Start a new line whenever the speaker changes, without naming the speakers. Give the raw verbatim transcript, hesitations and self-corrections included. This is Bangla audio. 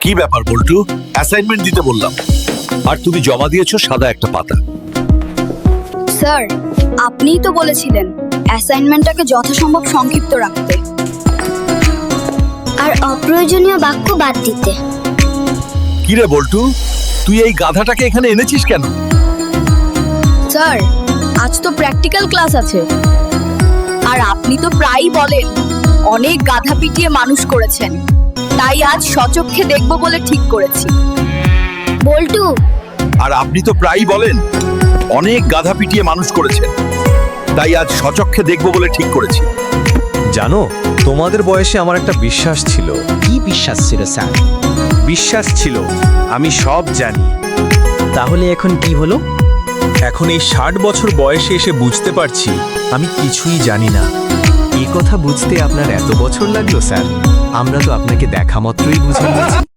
কি ব্যাপার বল্টু? অ্যাসাইনমেন্ট দিতে বললাম আর তুমি জমা দিয়েছো সাদা একটা পাতা।
স্যার, আপনিই তো বলেছিলেন অ্যাসাইনমেন্টটাকে যথাসম্ভব সংক্ষিপ্ত রাখতে
আর অপ্রয়োজনীয় বাক্য বাদ দিতে।
কি রে বল্টু, তুই এই গাধাটাকে এখানে এনেছিস কেন?
স্যার, আজ তো প্র্যাকটিক্যাল ক্লাস আছে আর আপনি তো প্রায়ই বলেন অনেক গাধা পিটিয়ে মানুষ করেছেন, তাই আজ সচক্ষে দেখব বলে ঠিক করেছি।
বল্টু,
আর আপনি তো প্রায়ই বলেন অনেক গাধা পিটিয়ে মানুষ করেছেন, তাই আজ সচক্ষে দেখব বলে ঠিক করেছি।
জানো, তোমাদের বয়সে আমার একটা বিশ্বাস ছিল।
কি বিশ্বাস ছিল স্যার?
বিশ্বাস ছিল আমি সব জানি।
তাহলে এখন কি হলো?
এখন এই ষাট বছর বয়সে এসে বুঝতে পারছি আমি কিছুই জানি না। এই কথা বুঝতে আপনার এত বছর লাগলো স্যার? আমরা তো আপনাকে দেখা মাত্রই বুঝে নিয়েছি।